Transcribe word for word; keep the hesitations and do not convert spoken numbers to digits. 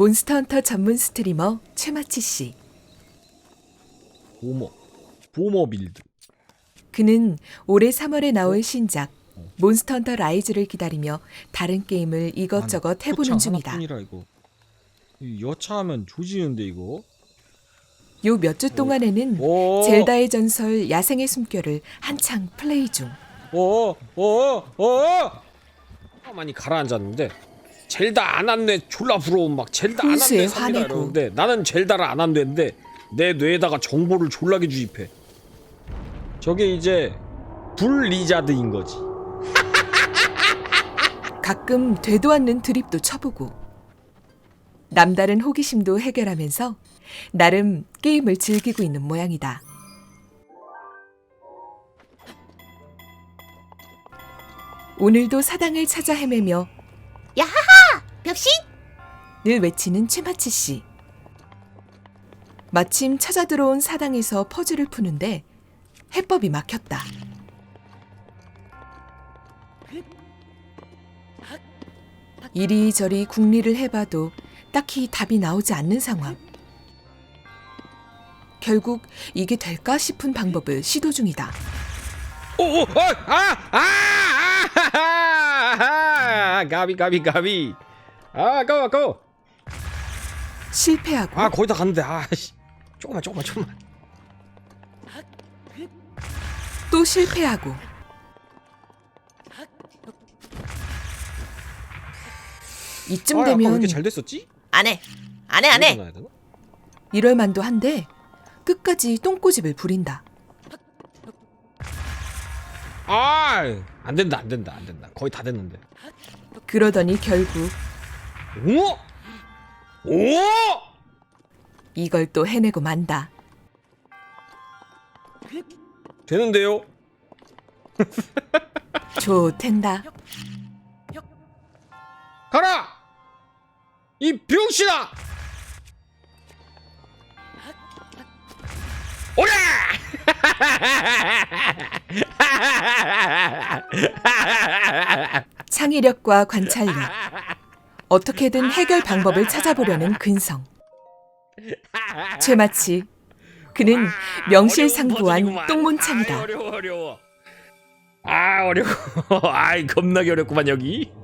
몬스터헌터 전문 스트리머 최마치씨. 보머 보머 빌드. 그는 올해 삼월에 나올 신작 몬스터헌터 라이즈를 기다리며 다른 게임을 이것저것 해보는 중이다. 하나뿐이라 이거. 이 여차하면 조지는데 이거. 요 몇 주 동안에는 오. 젤다의 전설 야생의 숨결을 한창 플레이 중. 어어어어 어. 많이 가라앉았는데 젤다 안 한대. 졸라 부러운 막 젤다 안 훈수에 한대 삽니다 화내고. 이러는데 나는 젤다를 안 한대는데 내 뇌에다가 정보를 졸라게 주입해. 저게 이제 불 리자드인 거지. 가끔 되도 않는 드립도 쳐보고 남다른 호기심도 해결하면서 나름 게임을 즐기고 있는 모양이다. 오늘도 사당을 찾아 헤매며 야하하! 벽신? 늘 외치는 최마치 씨. 마침 찾아 들어온 사당에서 퍼즐을 푸는데 해법이 막혔다. 이리저리 궁리를 해봐도 딱히 답이 나오지 않는 상황. 결국 이게 될까 싶은 방법을 시도 중이다. 오오 아아아아 가비 가비 가비. 아 아까워 아까워. 실패하고 아 거의 다 갔는데. 아씨 조금만 조금만 조금만. 또 실패하고 이쯤 아, 아까 왜 되면 이렇게 잘 됐었지? 안 해. 안 해, 안 해. 넣어야 되나? 이럴 만도 한데 끝까지 똥꼬집을 부린다. 아, 안 된다, 안 된다, 안 된다. 거의 다 됐는데. 그러더니 결국 오, 오, 이걸 또 해내고 만다. 되는데요? 좋텐다. 가라, 이 병신아! 오라! 창의력과 관찰력, 어떻게든 해결 방법을 찾아보려는 근성. 최마치, 그는 명실상부한 똥문창이다. 어려워, 어려워. 아, 어려워. 아이, 겁나게 어렵구만, 여기.